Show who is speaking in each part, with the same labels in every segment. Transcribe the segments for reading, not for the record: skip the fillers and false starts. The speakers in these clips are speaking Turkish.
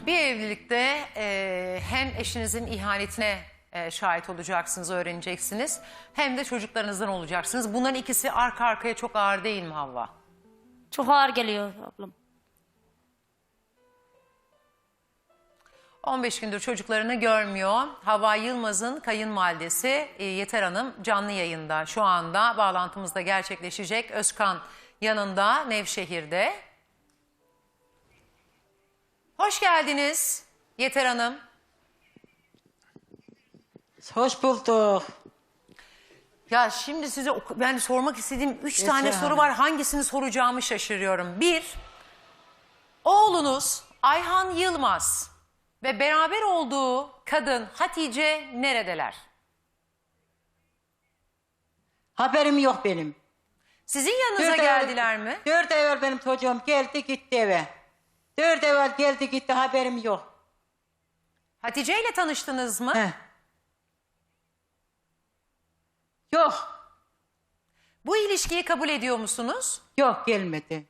Speaker 1: Bir evlilikte hem eşinizin ihanetine şahit olacaksınız, öğreneceksiniz. Hem de çocuklarınızdan olacaksınız. Bunların ikisi arka arkaya çok ağır değil mi Havva?
Speaker 2: Çok ağır geliyor ablam.
Speaker 1: 15 gündür çocuklarını görmüyor. Havva Yılmaz'ın kayınvalidesi Yeter Hanım canlı yayında. Şu anda bağlantımızda gerçekleşecek. Özkan yanında, Nevşehir'de. Hoş geldiniz Yeter Hanım.
Speaker 3: Hoş bulduk.
Speaker 1: Ya şimdi size ben sormak istediğim 3 tane
Speaker 3: Yeter
Speaker 1: soru
Speaker 3: Hanım.
Speaker 1: var. Hangisini soracağımı şaşırıyorum. Bir, oğlunuz Ayhan Yılmaz ve beraber olduğu kadın Hatice neredeler?
Speaker 3: Haberim yok benim.
Speaker 1: Sizin yanınıza
Speaker 3: Dört
Speaker 1: geldiler mi?
Speaker 3: 4 ay evvel benim çocuğum geldi gitti eve. 4 ay evvel geldi gitti, haberim yok.
Speaker 1: Hatice ile tanıştınız mı?
Speaker 3: Heh. Yok.
Speaker 1: Bu ilişkiyi kabul ediyor musunuz?
Speaker 3: Yok, gelmedi.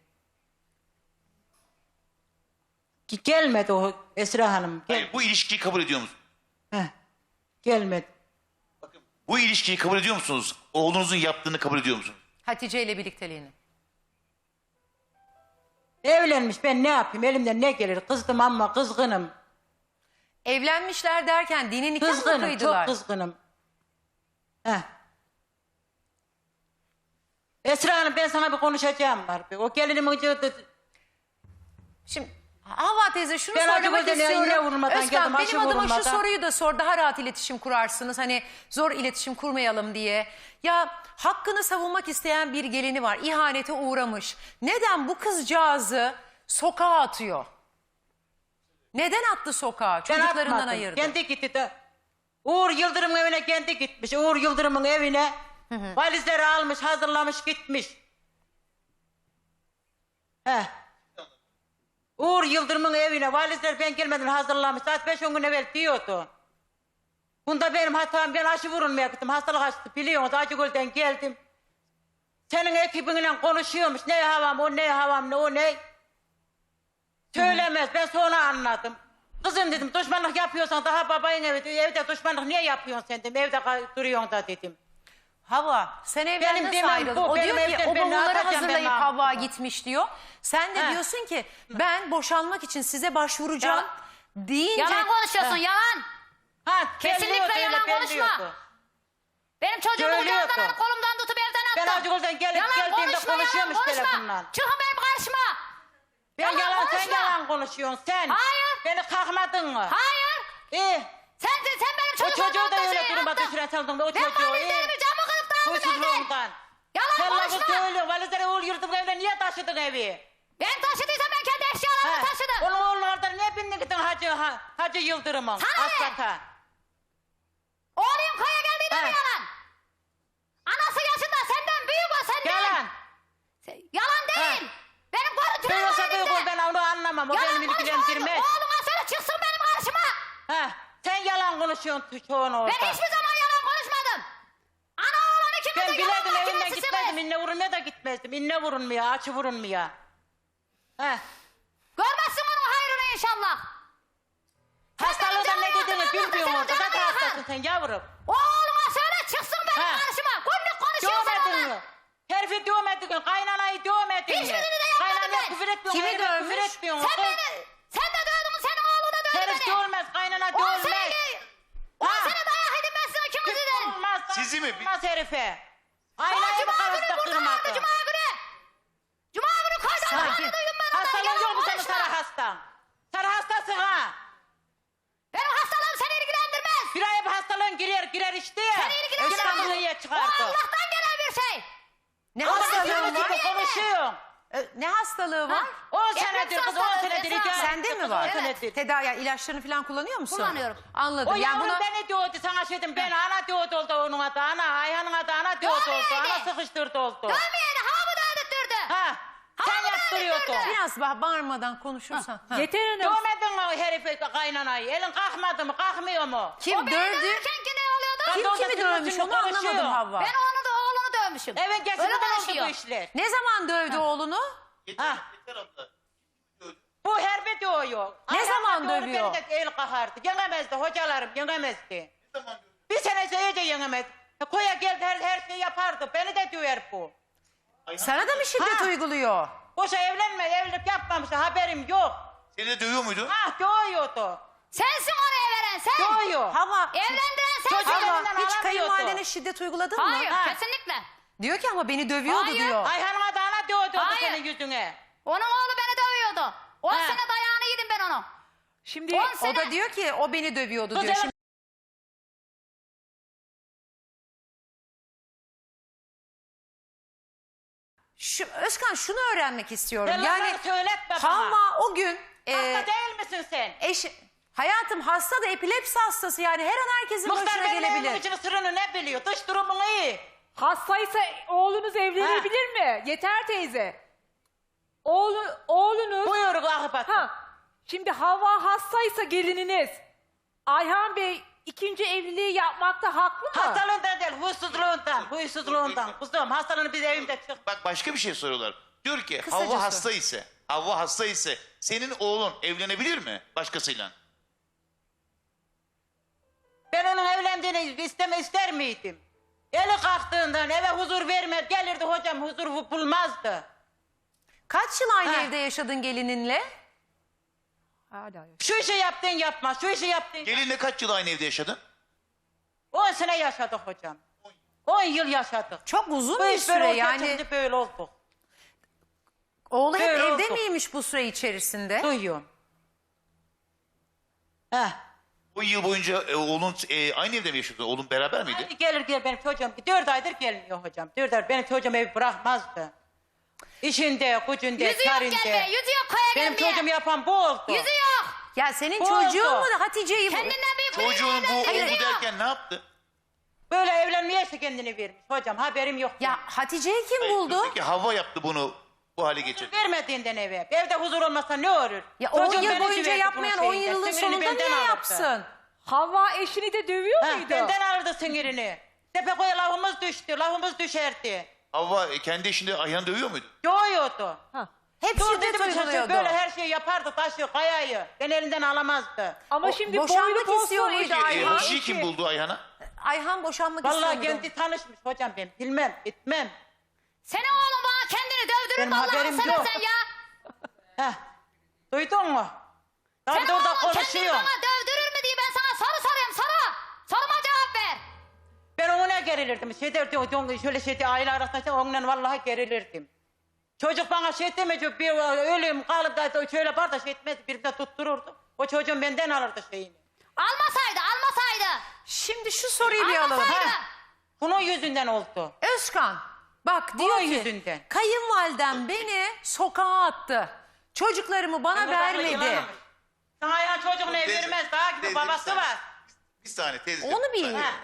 Speaker 3: Gelmedi o Esra Hanım.
Speaker 4: Hayır, bu ilişkiyi kabul ediyor musunuz?
Speaker 3: Heh. Gelmedi.
Speaker 4: Bu ilişkiyi kabul ediyor musunuz? Oğlunuzun yaptığını kabul ediyor musunuz?
Speaker 1: Hatice ile birlikteliğini.
Speaker 3: Evlenmiş, ben ne yapayım, elimden ne gelir? Kızdım ama kızgınım.
Speaker 1: Evlenmişler derken dini nikah mı
Speaker 3: Kızgınım,
Speaker 1: kıydılar?
Speaker 3: çok kızgınım. Heh. Esra Hanım, ben sana bir konuşacağım var. O gelinimin
Speaker 1: Şimdi Havva teyze şunu
Speaker 3: Ben
Speaker 1: söylemek
Speaker 3: acaba yine
Speaker 1: istiyorum.
Speaker 3: vurmadan
Speaker 1: Özkan
Speaker 3: geldim, aşı
Speaker 1: benim adıma şu
Speaker 3: vurulmadan.
Speaker 1: soruyu da sor. Daha rahat iletişim kurarsınız. Hani zor iletişim kurmayalım diye. Ya hakkını savunmak isteyen bir gelini var. İhanete uğramış. Neden bu kızcağızı sokağa atıyor? Neden attı sokağa?
Speaker 3: Ben
Speaker 1: Çocuklarından
Speaker 3: atmadım.
Speaker 1: ayırdı.
Speaker 3: Kendi gitti de. Uğur Yıldırım'ın evine kendi gitmiş. Uğur Yıldırım'ın evine valizleri almış, hazırlamış, gitmiş. Heh. Uğur Yıldırım'ın evine valizler ben gelmeden hazırlamış. Saat 5-10 gün evvel diyordu. Bunda benim hatam, ben aşı vurulmaya gittim. Hastalık açtı, biliyorsunuz. Acıgöl'den geldim. Senin ekibinle konuşuyormuş. Ne havam o, ne havam ne o, ne? Söylemez, ben sonra anladım. Kızım dedim, düşmanlık yapıyorsan daha babayın evde düşmanlık niye yapıyorsun sen dedim. Evde duruyorsun da dedim.
Speaker 1: Havva sen evden
Speaker 3: Benim
Speaker 1: nasıl
Speaker 3: demem
Speaker 1: ayrıldın?
Speaker 3: bu,
Speaker 1: O
Speaker 3: benim
Speaker 1: diyor ki
Speaker 3: evden
Speaker 1: o
Speaker 3: ben ne
Speaker 1: bavulları
Speaker 3: yapacağım, ben
Speaker 1: hazırlayıp
Speaker 3: ne
Speaker 1: Havva
Speaker 3: yapacağım?
Speaker 1: gitmiş diyor. Sen de
Speaker 3: He.
Speaker 1: diyorsun ki ben boşanmak için size başvuracağım deyince...
Speaker 2: Yalan konuşuyorsun, yalan.
Speaker 3: Ha,
Speaker 2: Kesinlikle
Speaker 3: belliyordu,
Speaker 2: yalan
Speaker 3: öyle
Speaker 2: konuşma.
Speaker 3: belliyordu.
Speaker 2: Benim çocuğumu
Speaker 3: Söylüyordu.
Speaker 2: kucağımdan alıp kolumdan tutup evden
Speaker 3: Ben
Speaker 2: attım.
Speaker 3: Acıgöl'den geldiğimde konuşuyormuş telefonla.
Speaker 2: Çıkın benim karşıma.
Speaker 3: Ben
Speaker 2: Yalan
Speaker 3: yalan, sen
Speaker 2: konuşma.
Speaker 3: yalan konuşuyorsun sen.
Speaker 2: Hayır.
Speaker 3: Beni kalkmadın mı?
Speaker 2: Hayır.
Speaker 3: İyi.
Speaker 2: Sen benim
Speaker 3: O
Speaker 2: çocuğumu
Speaker 3: çocuğu da öyle duruma düşüren sandın. O
Speaker 2: Ben
Speaker 3: çocuğu iyi.
Speaker 2: valizlerimi camı kırıp dağıldım evden.
Speaker 3: Huysuzluğundan.
Speaker 2: Yalan
Speaker 3: Sen lafı
Speaker 2: konuşma.
Speaker 3: söylüyorsun. Valizleri Uğur Yıldırım evine niye taşıdın evi?
Speaker 2: Ben taşıdıysam ben kendi eşyalarımı taşıdım.
Speaker 3: Onun oğlunu oradan niye bindin gittin Hacı Yıldırım'ın?
Speaker 2: Sana ne?
Speaker 3: Asfata.
Speaker 2: Oğlum köye geldiğinde
Speaker 3: He.
Speaker 2: mi yalan? Anası yaşında senden büyük o senden.
Speaker 3: Yalan.
Speaker 2: Yalan değil. Benim görüntülerim
Speaker 3: Duyuyorsa
Speaker 2: var
Speaker 3: büyük ol,
Speaker 2: elimde.
Speaker 3: ben onu anlamam. O
Speaker 2: Yalan
Speaker 3: benim
Speaker 2: konuşma.
Speaker 3: ilgilendirmez.
Speaker 2: Oğluma söyle çıksın benim karşıma.
Speaker 3: Ha, sen yalan konuşuyorsun çoğunu orada.
Speaker 2: Ben hiçbir zaman yalan konuşmadım. Ana oğlan
Speaker 3: Ben
Speaker 2: ikimiz de
Speaker 3: bilirdim
Speaker 2: yalan
Speaker 3: evinden
Speaker 2: makinesisiniz.
Speaker 3: gitmezdim. İnne vurulmaya da gitmezdim. İnne vurulmaya, açı vurulmaya. Heh.
Speaker 2: Görmezsin onun hayrını inşallah.
Speaker 3: Hastalığından ne dediğini bilmiyorsun orada.
Speaker 2: Zaten
Speaker 3: Zaten hastasın sen yavrum.
Speaker 2: Oğluma söyle çıksın benim
Speaker 3: Ha.
Speaker 2: karşıma. Günlük konuşuyorsun
Speaker 3: Dövmedin
Speaker 2: ona.
Speaker 3: mi? Herifi dövmedin, kaynanayı dövmedin mi?
Speaker 2: Hiçbirini de yapmadım
Speaker 3: Kaynanaya
Speaker 2: ben.
Speaker 3: küfür etmiyorsun,
Speaker 1: Kimi
Speaker 3: herife küfür
Speaker 1: dövmüş?
Speaker 3: etmiyorsun.
Speaker 2: Sen de dövdün, senin oğlu da dövdü
Speaker 3: Herif
Speaker 2: beni.
Speaker 3: dövmez, kaynana
Speaker 2: 10
Speaker 3: dövmez.
Speaker 2: sene, 10
Speaker 3: Ha.
Speaker 2: sene dayak edilmezsin ikimizi de.
Speaker 3: Olmaz.
Speaker 4: Sizi mi?
Speaker 3: Olmaz herife.
Speaker 2: Aa,
Speaker 3: Aynayı mı
Speaker 2: Cuma günü
Speaker 3: karıştı
Speaker 2: burada vardı
Speaker 3: kırmakı?
Speaker 2: Cuma günü. Cuma günü kaydan
Speaker 3: Sakin.
Speaker 2: duydum ben ondan.
Speaker 3: Hastalığın
Speaker 2: Yalan
Speaker 3: yok mu senin
Speaker 2: konuşma.
Speaker 3: sarı hastan? Sarı hastasın ha.
Speaker 2: Benim hastalığım seni ilgilendirmez.
Speaker 3: Bir ay bir hastalığın girer işte ya.
Speaker 2: Seni ilgilendirmez.
Speaker 3: İstanbul'u niye
Speaker 2: O
Speaker 3: çıkardı?
Speaker 2: Allah'tan gelen bir şey.
Speaker 1: Ne
Speaker 3: Ama
Speaker 1: hastalığı
Speaker 3: sen
Speaker 1: var?
Speaker 3: gibi konuşuyorsun.
Speaker 1: Ne hastalığı var?
Speaker 3: 10 senedir kız, 10 senedir hikaye.
Speaker 1: Sende mi var?
Speaker 3: 10 senedir.
Speaker 1: Tedavi yani ilaçlarını falan kullanıyor musun?
Speaker 2: Kullanıyorum.
Speaker 1: Anladım.
Speaker 3: O
Speaker 1: Yani
Speaker 3: yavrum
Speaker 1: buna...
Speaker 3: beni diyordu sana şeydim, ben ana diyordu oldu onun adı, ana Ayhan'ın adı ana diyordu oldu,
Speaker 2: Dövmeyeydi.
Speaker 3: ana sıkıştırdı oldu.
Speaker 2: Dövmeyeni havamı da ödüttürdü.
Speaker 3: Ha, sen
Speaker 2: Havamı da
Speaker 3: yaptırıyordun.
Speaker 2: ödüttürdü.
Speaker 1: Biraz bağırmadan konuşursan. Ha.
Speaker 5: Yeter Hanım.
Speaker 3: Dövmedin mi o herifi kaynanayı? Elin kalkmadı mı, kalkmıyor mu?
Speaker 1: Kim
Speaker 2: O beni
Speaker 1: dövdü?
Speaker 2: dövürken ki ne oluyordu?
Speaker 3: Ben de
Speaker 1: Kim
Speaker 3: orada
Speaker 1: kimi
Speaker 3: senin
Speaker 1: dövmüş
Speaker 3: için
Speaker 1: onu anlamadım
Speaker 3: konuşuyor.
Speaker 1: Havva.
Speaker 2: Ben onu da oğlunu dövmüşüm.
Speaker 3: Evet,
Speaker 2: Öyle
Speaker 3: geçmeden oldu
Speaker 2: konuşuyor.
Speaker 3: bu işler.
Speaker 1: Ne zaman dövdü oğlunu?
Speaker 3: Ha. Bu herbe diyor.
Speaker 1: Ne zaman zaman
Speaker 3: doğru
Speaker 1: dövüyor?
Speaker 3: Beni de el kahardı. Yenemezdi hocalarım, yenemezdi. Bir sene iyice yenemedi. Koya geldi her şeyi yapardı. Beni de döver bu.
Speaker 1: Sana da mı şiddet
Speaker 3: Ha.
Speaker 1: uyguluyor?
Speaker 3: Boşa evlilik yapmamış, haberim yok.
Speaker 4: Seni de dövüyor muydu?
Speaker 3: Ah dövüyordu.
Speaker 2: Sensin oraya veren sen.
Speaker 3: Dövüyor.
Speaker 1: Hava,
Speaker 2: Evlendiren sensin.
Speaker 3: Çocuğu
Speaker 1: Hava
Speaker 3: elinden
Speaker 1: hiç
Speaker 3: alamıyordu.
Speaker 1: kayınvalidene şiddet uyguladın mı?
Speaker 2: Hayır
Speaker 3: Ha.
Speaker 2: kesinlikle.
Speaker 1: Diyor ki ama beni dövüyordu
Speaker 2: Hayır.
Speaker 1: diyor.
Speaker 3: Ayhan'ıma dağına dövdü
Speaker 2: Hayır.
Speaker 3: senin yüzüne.
Speaker 2: Onun oğlu beni dövüyordu. 10
Speaker 3: Ha.
Speaker 2: sene dayağını yedim ben onu.
Speaker 5: Şimdi
Speaker 2: 10
Speaker 1: O
Speaker 2: sene.
Speaker 1: da diyor ki o beni dövüyordu
Speaker 3: Kız
Speaker 1: diyor.
Speaker 3: evet.
Speaker 1: Şimdi Özkan şunu öğrenmek istiyorum.
Speaker 3: Yani
Speaker 1: Yani
Speaker 3: söyletme bana.
Speaker 1: Havva o gün
Speaker 3: Hasta değil misin sen?
Speaker 1: hayatım hasta da epilepsi hastası yani her an herkesin
Speaker 3: Muhtar
Speaker 1: başına
Speaker 3: benim evimin
Speaker 1: gelebilir.
Speaker 3: için sırrını ne biliyor? Dış durumunu iyi.
Speaker 5: hastaysa oğlunuz evlenebilir mi? Yeter teyze. Oğlunuz...
Speaker 3: Buyur ahbat.
Speaker 5: Şimdi Havva hastaysa gelininiz. Ayhan Bey ikinci evliliği yapmakta haklı mı?
Speaker 3: Hastalığından değil, huysuzluğundan. Kuzum hastalığını biz evimde çık.
Speaker 4: Bak başka bir şey soruyorlar. Diyor ki
Speaker 1: Kısacası.
Speaker 4: Havva hasta ise senin oğlun evlenebilir mi başkasıyla?
Speaker 3: Ben onun evlendiğini ister miydim? Eli kalktığından eve huzur vermez. Gelirdi hocam huzur bulmazdı.
Speaker 1: Kaç yıl aynı
Speaker 3: Ha.
Speaker 1: evde yaşadın gelininle?
Speaker 5: Hala yok.
Speaker 3: Şu işi yaptın yapma, şu işi yaptın.
Speaker 4: Gelinle kaç yıl aynı evde yaşadın?
Speaker 3: 10 sene yaşadık hocam. 10 yıl yaşadık.
Speaker 1: Çok uzun
Speaker 3: Bu
Speaker 1: bir
Speaker 3: iş böyle
Speaker 1: süre
Speaker 3: olacak,
Speaker 1: yani.
Speaker 3: şimdi böyle olduk.
Speaker 1: Oğlu hep
Speaker 3: Böyle
Speaker 1: evde
Speaker 3: oldu.
Speaker 1: miymiş bu süre içerisinde?
Speaker 3: Duyuyorum. Heh.
Speaker 4: Bu yıl boyunca oğlun aynı evde mi yaşıyordu? Oğlun beraber miydi?
Speaker 3: Hadi gelir benim çocuğum. 4 aydır gelmiyor hocam. 4 ay benim çocuğum evi bırakmazdı. İşinde, gücünde,
Speaker 2: Yüzü yok
Speaker 3: sarinde.
Speaker 2: gelmeye. Yüzü yok koya
Speaker 3: Benim
Speaker 2: gelmeye.
Speaker 3: çocuğum yapan bu oldu.
Speaker 2: Yüzü yok.
Speaker 1: Ya senin
Speaker 3: Bu
Speaker 1: çocuğun
Speaker 3: oldu.
Speaker 1: mu da Hatice'yi
Speaker 2: Kendinden büyük biriyle
Speaker 4: Çocuğun bu
Speaker 2: evlendi, yüzü
Speaker 4: oldu
Speaker 2: yok.
Speaker 4: derken ne yaptı?
Speaker 3: Böyle evlenmeyese kendini vermiş hocam. Haberim yok.
Speaker 1: Ya Hatice'yi kim buldu?
Speaker 4: Peki Havva yaptı bunu bu hale getirdi.
Speaker 3: Vermediğinden eve. Evde huzur olmasa ne olur?
Speaker 1: Ya 10
Speaker 3: Çocuğum
Speaker 1: yıl
Speaker 3: beni
Speaker 1: boyunca
Speaker 3: süverdi
Speaker 1: yapmayan
Speaker 3: bunun
Speaker 1: 10
Speaker 3: şeyinde.
Speaker 1: yılın
Speaker 3: Sinirini
Speaker 1: sonunda
Speaker 3: benden
Speaker 1: niye
Speaker 3: alırdı.
Speaker 1: yapsın?
Speaker 5: Havva eşini de dövüyor
Speaker 3: Ha,
Speaker 5: muydu?
Speaker 3: benden alırdı sinirini. Tepekoya lafımız düştü. Lafımız düşerdi.
Speaker 4: Havva kendi işinde Ayhan'ı dövüyor muydu?
Speaker 3: Yoğuyordu.
Speaker 1: Hep
Speaker 3: Dur
Speaker 1: şiddet
Speaker 3: dedim
Speaker 1: uyguluyordu.
Speaker 3: böyle her şeyi yapardı. Taşı, kayayı. Ben elinden alamazdı.
Speaker 5: Ama
Speaker 1: O
Speaker 5: şimdi
Speaker 1: boşanmak
Speaker 5: boynu
Speaker 1: istiyor
Speaker 5: postu
Speaker 1: muydu
Speaker 5: eşi.
Speaker 1: Ayhan?
Speaker 4: Hatice'yi kim buldu Ayhan'a?
Speaker 1: Ayhan boşanmak
Speaker 3: Vallahi
Speaker 1: istiyordu.
Speaker 3: kendi tanışmış hocam ben. Bilmem, etmem.
Speaker 2: Senin oğlum bana kendini dövdürür
Speaker 3: Benim
Speaker 2: mü Allah'ını
Speaker 3: haberim yok.
Speaker 2: seversen ya?
Speaker 3: Heh. Duydun mu? Tabii
Speaker 2: Senin
Speaker 3: de orada
Speaker 2: oğlum kendini
Speaker 3: konuşuyor.
Speaker 2: bana dövdürür mü diye ben sana soru soruyorum soru. Soruma cevap ver.
Speaker 3: Ben ona gerilirdim. Şöyle şeyde aile arasında onunla vallahi gerilirdim. Çocuk bana şey demeyecek, bir ölüm kalıp da şöyle yapar da şey etmez, birbirine tuttururdu. O çocuğun benden alırdı şeyini.
Speaker 2: Almasaydı.
Speaker 1: Şimdi şu soruyu bir alalım.
Speaker 2: Almasaydı.
Speaker 3: Bunun yüzünden oldu.
Speaker 1: Özkan bak diyor
Speaker 3: Bunun
Speaker 1: ki
Speaker 3: yüzünden.
Speaker 1: kayınvalidem beni sokağa attı. Çocuklarımı bana vermedi.
Speaker 3: Sana ya çocuğunu ev
Speaker 4: Teyze,
Speaker 3: vermez, daha gibi
Speaker 4: teyze,
Speaker 3: babası
Speaker 4: bir saniye.
Speaker 3: var.
Speaker 4: Bir saniye teyze.
Speaker 1: Onu
Speaker 4: bir saniye.
Speaker 1: bil.
Speaker 3: Ha.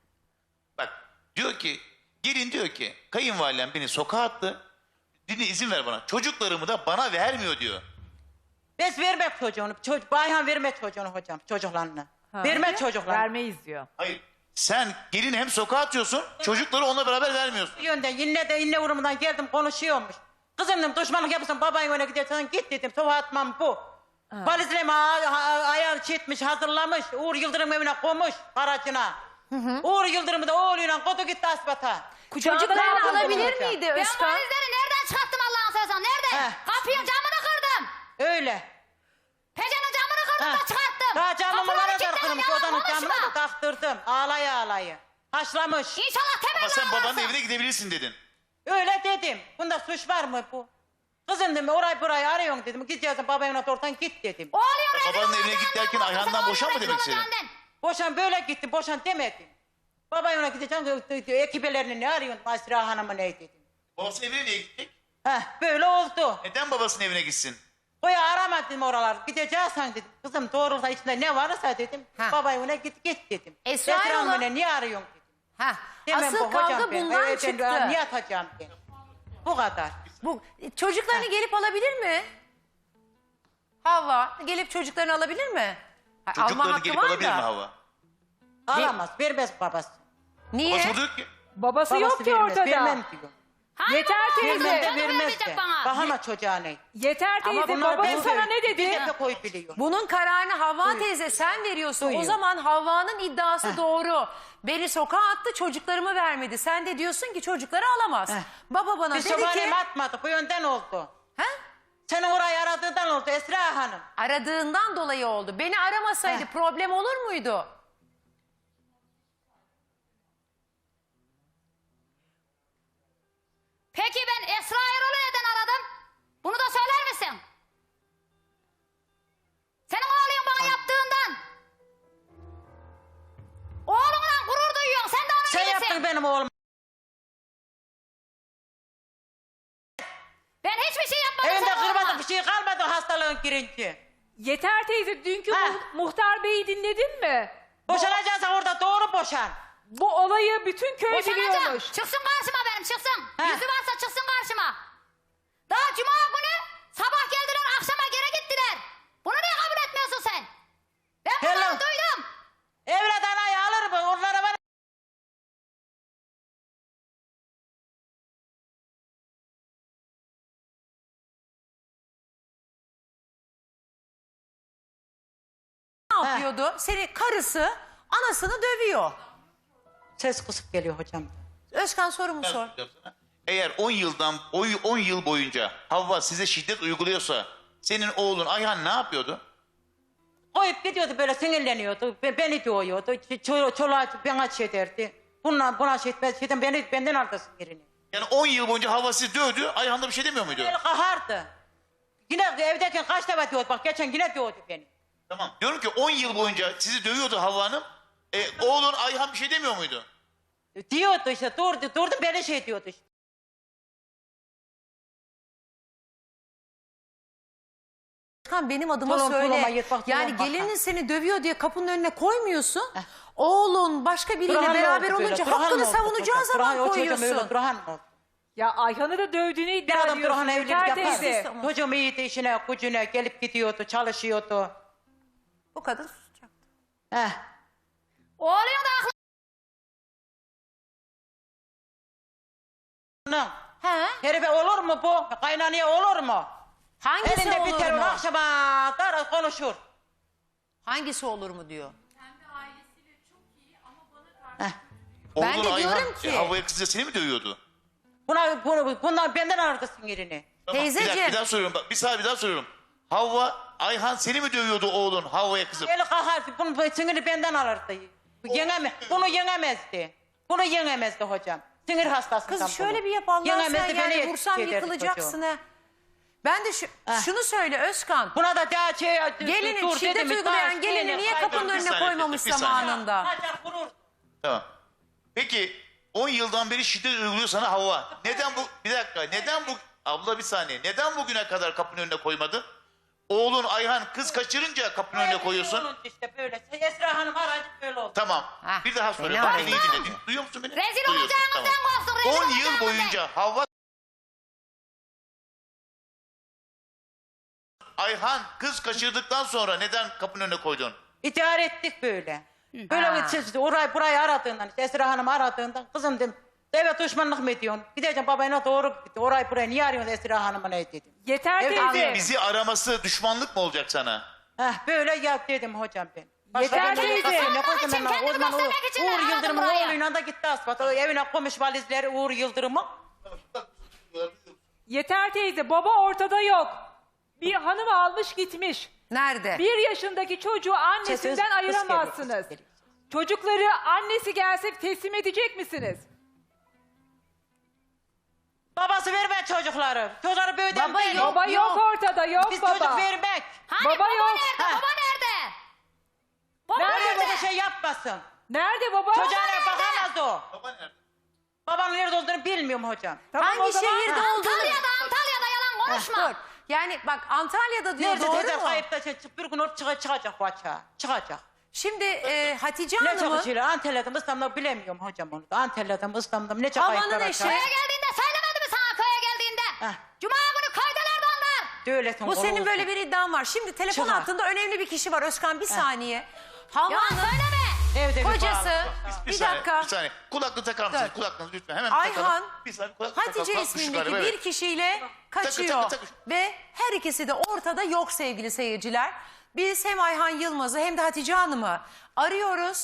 Speaker 4: Bak diyor ki gelin diyor ki kayınvalidem beni sokağa attı. Dinle izin ver bana. Çocuklarımı da bana vermiyor diyor.
Speaker 3: Biz vermek çocuğunu. Bayhan vermek çocuğunu hocam, çocuklarını. Vermek çocuklarını.
Speaker 5: Vermeyiz diyor.
Speaker 4: Hayır. Sen gelin hem sokağa atıyorsun çocukları onunla beraber vermiyorsun.
Speaker 3: Yönden yine uğrumundan geldim konuşuyormuş. Kızım dedim düşmanlık yapıyorsan babayın önüne gidiyorsan git dedim. Soğuk atmam bu. Valizlerimi ayağı çitmiş hazırlamış. Uğur Yıldırım evine koymuş aracına. Uğur Yıldırım'ı da oğluyla kodu gitti asbata.
Speaker 1: Çocuklarını
Speaker 3: aldım
Speaker 1: alabilir
Speaker 3: hocam.
Speaker 1: miydi
Speaker 2: Ben bu
Speaker 1: Özkan?
Speaker 2: valizleri nereden çıkarttım Allah'ını seversen? Nereden?
Speaker 3: Heh.
Speaker 2: Kapıyın camını kırdım.
Speaker 3: Öyle.
Speaker 2: Pencerenin camını kırdım da çıkarttım.
Speaker 3: Daha camımı
Speaker 2: Kapıları
Speaker 3: bana da
Speaker 2: kilitledim,
Speaker 3: kırmış.
Speaker 2: yalan
Speaker 3: Odanın
Speaker 2: konuşma.
Speaker 3: camını da taktırdım. Ağlaya. Haşlamış.
Speaker 2: İnşallah
Speaker 4: Ama
Speaker 2: temelli
Speaker 4: sen babanın
Speaker 2: ağlarsın.
Speaker 4: evine gidebilirsin dedin.
Speaker 3: Öyle dedim. Bunda suç var mı bu? Kızım dedim orayı burayı arıyorsun dedim. Gideceksin babayın önüne oradan git dedim.
Speaker 2: Oğluyor
Speaker 4: Babanın
Speaker 2: rezil
Speaker 4: evine git
Speaker 2: olacağından
Speaker 4: derken
Speaker 2: korkma,
Speaker 4: Ayhan'dan
Speaker 2: sen
Speaker 4: boşan mı
Speaker 2: oğlunun
Speaker 4: demek
Speaker 2: rezil
Speaker 4: istedin?
Speaker 2: olacağından.
Speaker 3: Boşan böyle gittim. Boşan demedim. Babayın önüne gideceksin. Ekibelerini ne arıyorsun? Masra Hanım'ı ne dedim.
Speaker 4: Babasının evine niye gittik?
Speaker 3: Böyle oldu.
Speaker 4: Neden babasının evine gitsin?
Speaker 3: Koya aramadım oralar. Gideceksen dedim. Kızım doğrulsa içinde ne varsa dedim.
Speaker 1: Ha.
Speaker 3: Babayın önüne git dedim.
Speaker 1: Esra
Speaker 3: Esra
Speaker 1: Erol'a-
Speaker 3: Hanım'ı niye arıyorsun dedim.
Speaker 1: Heh,
Speaker 3: Demem
Speaker 1: asıl
Speaker 3: bu, hocam
Speaker 1: kavga
Speaker 3: ben.
Speaker 1: bundan
Speaker 3: Ben
Speaker 1: çıktı.
Speaker 3: niye atacağım ben? Bu kadar.
Speaker 1: Bu çocuklarını gelip alabilir mi? Havva gelip çocuklarını alabilir mi? Ha, alma
Speaker 4: Çocuklarını
Speaker 1: hakkı
Speaker 4: gelip
Speaker 1: var
Speaker 4: alabilir
Speaker 1: da.
Speaker 4: mi Havva?
Speaker 3: Alamaz. Vermez babası.
Speaker 1: Niye?
Speaker 4: Babası diyor ki
Speaker 5: Babası
Speaker 3: Babası
Speaker 5: yok ki
Speaker 3: vermez.
Speaker 5: ortada.
Speaker 3: Vermem diyor.
Speaker 2: Hani
Speaker 5: Yeter
Speaker 2: baba
Speaker 5: teyze.
Speaker 2: olacak,
Speaker 3: Vermez de
Speaker 2: canım
Speaker 3: vermez
Speaker 2: verecek
Speaker 3: de.
Speaker 2: bana.
Speaker 3: Bahama çocuğa ne?
Speaker 5: Yeter teyze
Speaker 3: Bunlar
Speaker 5: baban
Speaker 3: ben
Speaker 5: sana
Speaker 3: de-
Speaker 5: ne
Speaker 3: Bir
Speaker 5: dedi?
Speaker 3: de koy biliyor.
Speaker 1: Bunun kararını Havva teyze sen veriyorsun. O
Speaker 3: Duyuyor.
Speaker 1: zaman Havva'nın iddiası doğru. Beni sokağa attı, çocuklarımı vermedi. Sen de diyorsun ki çocukları alamaz. Baba bana
Speaker 3: Biz
Speaker 1: dedi ki...
Speaker 3: sabahleyin atmadık. Bu yönden oldu.
Speaker 1: He?
Speaker 3: Senin orayı aradığından oldu Esra Hanım.
Speaker 1: Aradığından dolayı oldu. Beni aramasaydı problem olur muydu?
Speaker 2: Peki ben Esra Erol'u neden aradım? Bunu da söyler misin? Senin oğlun bana yaptığından. Oğlunla gurur duyuyorsun. Sen de onun
Speaker 3: Sen
Speaker 2: gibisin.
Speaker 3: yaptın benim oğlum.
Speaker 2: Ben hiçbir şey yapmadım.
Speaker 3: Evinde
Speaker 2: senin oğluma.
Speaker 3: kırmadı bir şey kalmadı hastalığın girince.
Speaker 5: Yeter teyze dünkü
Speaker 3: Ha.
Speaker 5: muhtar beyi dinledin mi?
Speaker 3: Boşanacaksan orada doğru boşan.
Speaker 5: Bu olayı bütün köy
Speaker 2: Boşanacağım.
Speaker 5: biliyormuş.
Speaker 2: Çıksın karşıma benim çıksın.
Speaker 3: Ha.
Speaker 2: Yüzü varsa çıksın karşıma. Daha cuma günü sabah geldiler akşama geri gittiler. Bunu niye kabul etmiyorsun sen? Ben bunları
Speaker 3: Hello.
Speaker 2: duydum.
Speaker 3: Evlat anayı alır mı? Onlara bana...
Speaker 1: Ne yapıyordu? Seni karısı anasını dövüyor.
Speaker 3: Ses kısık geliyor hocam.
Speaker 1: Özkan sorumu
Speaker 4: Ben
Speaker 1: sor.
Speaker 4: soracağım sana. Eğer 10 yıl boyunca Havva size şiddet uyguluyorsa senin oğlun Ayhan ne yapıyordu?
Speaker 3: Koyup gidiyordu böyle sinirleniyordu. Beni dövüyordu. Çoluğa bana şey derdi. Buna şey etmez. Benden aldı sinirini.
Speaker 4: Yani 10 yıl boyunca Havva sizi dövdü, Ayhan da bir şey demiyor muydu?
Speaker 3: El kahardı. Yine evdeyken kaç defa diyordu. Bak geçen yine dövdü beni.
Speaker 4: Tamam. Diyorum ki 10 yıl boyunca sizi dövüyordu Havva Hanım. Oğlun Ayhan bir şey demiyor muydu?
Speaker 3: Diyordu işte durdu beni şey diyordu işte.
Speaker 1: Özkan benim adıma
Speaker 3: Tulum,
Speaker 1: söyle.
Speaker 3: tuluma yırtmak, tulum
Speaker 1: Yani
Speaker 3: bakma.
Speaker 1: gelinin seni dövüyor diye kapının önüne koymuyorsun. Oğlun başka biriyle
Speaker 3: Durhan
Speaker 1: beraber
Speaker 3: oldu böyle,
Speaker 1: olunca
Speaker 3: Durhan
Speaker 1: hakkını
Speaker 3: oldu
Speaker 1: savunacağı
Speaker 3: hocam.
Speaker 1: zaman
Speaker 3: Durhan, o çocuğum
Speaker 1: koyuyorsun.
Speaker 3: öyle Durhan oldu.
Speaker 5: Ya Ayhan'ı da dövdüğünü
Speaker 3: Bir
Speaker 5: iddia
Speaker 3: adam
Speaker 5: ediyorsun.
Speaker 3: Durhan evlilik
Speaker 5: Yeter
Speaker 3: yapar.
Speaker 5: teyze.
Speaker 3: Çocuğum iyiydi işine gücüne gelip gidiyordu çalışıyordu.
Speaker 1: Bu kadın susacak.
Speaker 3: Heh.
Speaker 2: Oğlun da aklı.
Speaker 3: Bunun
Speaker 1: He?
Speaker 3: herife olur mu bu? Kaynanaya olur mu?
Speaker 1: Hangisi
Speaker 3: Elinde
Speaker 1: olur
Speaker 3: bir telefon
Speaker 1: mu?
Speaker 3: akşama kadar konuşur.
Speaker 1: Hangisi olur mu diyor.
Speaker 4: Oğlun
Speaker 1: Ben de
Speaker 4: Ayhan
Speaker 1: diyorum ki-
Speaker 4: Havva'ya kızınca seni mi dövüyordu?
Speaker 3: Bunlar benden aldı sinirini.
Speaker 4: Tamam,
Speaker 1: Teyzeciğim.
Speaker 4: bir daha soruyorum. Bak, bir daha soruyorum. Havva, Ayhan seni mi dövüyordu oğlun Havva'ya kızıp?
Speaker 3: Eli kahardı. Bunun siniri benden alırdı. Bunu yenemezdi. Bunu yenemezdi hocam. Sinir hastasından
Speaker 1: Kız şöyle
Speaker 3: bunu.
Speaker 1: bir yap Allah sen
Speaker 3: Yenemezdi, beni
Speaker 1: yani vursam
Speaker 3: ederdi
Speaker 1: yıkılacaksın
Speaker 3: çocuğu.
Speaker 1: ha. Ben de şunu söyle Özkan.
Speaker 3: Buna da daha şey...
Speaker 1: Gelinin
Speaker 3: dur
Speaker 1: şiddet
Speaker 3: dedim,
Speaker 1: uygulayan
Speaker 3: daha
Speaker 1: gelini
Speaker 3: şeyle
Speaker 1: niye
Speaker 3: kaydı.
Speaker 1: kapının
Speaker 4: Bir
Speaker 1: önüne
Speaker 4: saniye,
Speaker 1: koymamış
Speaker 4: bir saniye.
Speaker 1: zamanında?
Speaker 3: Kaçar vurur.
Speaker 4: Tamam. Peki 10 yıldan beri şiddet uyguluyor sana Havva. Neden bu? Bir dakika. Neden bu? Abla bir saniye. Neden bugüne kadar kapının önüne koymadın? Oğlun Ayhan kız kaçırınca kapının önüne koyuyorsun.
Speaker 3: Olunca işte böyle. Esra Hanım aracı böyle oldu.
Speaker 4: Tamam.
Speaker 1: Hah,
Speaker 4: Bir daha soruyorum.
Speaker 1: fena
Speaker 4: Bak beni iyi
Speaker 1: oldu.
Speaker 4: dinle. Duyuyor musun beni?
Speaker 2: Rezil
Speaker 4: Duyuyorsun,
Speaker 2: olacağınızdan
Speaker 4: tamam.
Speaker 2: korksun, rezil
Speaker 4: 10 yıl
Speaker 2: olacağınızdan.
Speaker 4: boyunca Havva Ayhan kız kaçırdıktan sonra neden kapının önüne koydun?
Speaker 3: İdare ettik böyle. Böyle
Speaker 1: Ha.
Speaker 3: burayı aradığından, işte Esra Hanım aradığından kızım dedim. Evet düşmanlık mı ediyorsun? Gideceğim babayına doğru gitti. Orayı buraya niye arıyorsun Esra Hanım'a ne dedim.
Speaker 5: Yeter
Speaker 3: Evet,
Speaker 5: teyze.
Speaker 4: Bizi araması düşmanlık mı olacak sana?
Speaker 3: Böyle yap dedim hocam ben.
Speaker 5: Yeter teyze.
Speaker 3: Ne koydum ben?
Speaker 2: Kendini
Speaker 3: O zaman
Speaker 2: göstermek için
Speaker 3: Uğur
Speaker 2: aradım
Speaker 3: Yıldırım'ın
Speaker 2: buraya.
Speaker 3: oğluyla da gitti asfalt. O evine koymuş valizleri Uğur Yıldırım'ın.
Speaker 5: Yeter teyze baba ortada yok. Bir hanım almış gitmiş.
Speaker 1: Nerede?
Speaker 5: 1 yaşındaki çocuğu annesinden
Speaker 3: Sesiniz kıs
Speaker 5: ayıramazsınız.
Speaker 3: geliyor, kıs geliyor.
Speaker 5: Çocukları annesi gelse teslim edecek misiniz?
Speaker 3: Babası verme çocukları. Çocukları böyleden
Speaker 1: Baba yok.
Speaker 5: Baba yok ortada yok
Speaker 3: Biz
Speaker 5: baba.
Speaker 3: çocuk vermek.
Speaker 2: Hani
Speaker 5: Baba
Speaker 2: baba,
Speaker 5: yok.
Speaker 2: nerede?
Speaker 3: Ha.
Speaker 2: Baba nerede? Baba
Speaker 5: Nerede
Speaker 3: Öyle
Speaker 2: nerede?
Speaker 3: bir şey yapmasın.
Speaker 5: Nerede baba?
Speaker 3: Çocuğuna bakamaz o.
Speaker 4: Baba nerede?
Speaker 3: Babanın nerede olduğunu bilmiyorum hocam.
Speaker 5: Tamam, o
Speaker 1: Hangi
Speaker 5: zaman-
Speaker 1: şehirde olduğunu...
Speaker 2: Antalya'da yalan konuşma.
Speaker 1: Dur. Yani bak Antalya'da diyor
Speaker 3: Nerede
Speaker 1: doğru
Speaker 3: teyze
Speaker 1: mu?
Speaker 3: kayıpta bir gün orada çıkacak bu açığa. Çıkacak.
Speaker 1: Şimdi Hatice
Speaker 3: Ne
Speaker 1: Hanım'ın
Speaker 3: çalışıyor? Antalya'da mı İstanbul'da bilemiyorum hocam onu da. Antalya'da mı İstanbul'da mı ne çok
Speaker 1: Havanın
Speaker 3: kayıplar
Speaker 1: eşi.
Speaker 3: açar.
Speaker 2: Köye geldiğinde söylemedi mi sana köye geldiğinde?
Speaker 3: Heh.
Speaker 2: Cuma günü köydelerdi onlar.
Speaker 3: Öylesin,
Speaker 1: bu senin
Speaker 3: olsun.
Speaker 1: böyle bir iddian var. Şimdi telefon
Speaker 3: Çıkar.
Speaker 1: hattında önemli bir kişi var Özkan bir saniye. Havva
Speaker 2: Yalan
Speaker 1: Hanım
Speaker 2: söyleme.
Speaker 3: Evde bir
Speaker 1: Kocası
Speaker 3: bağlı.
Speaker 1: bir
Speaker 4: saniye,
Speaker 1: dakika.
Speaker 4: Bir saniye. Kulaklığı takar mısınız?
Speaker 1: Dur.
Speaker 4: Kulaklığı lütfen. Hemen
Speaker 1: Ayhan,
Speaker 4: takalım. Bir saniye kulaklığı
Speaker 1: Hatice
Speaker 4: takalım. Kalkmış
Speaker 1: ismindeki
Speaker 4: galiba,
Speaker 1: bir
Speaker 4: evet.
Speaker 1: kişiyle kaçıyor.
Speaker 4: takı.
Speaker 1: Ve her ikisi de ortada yok sevgili seyirciler. Biz hem Ayhan Yılmaz'ı hem de Hatice Hanım'ı arıyoruz.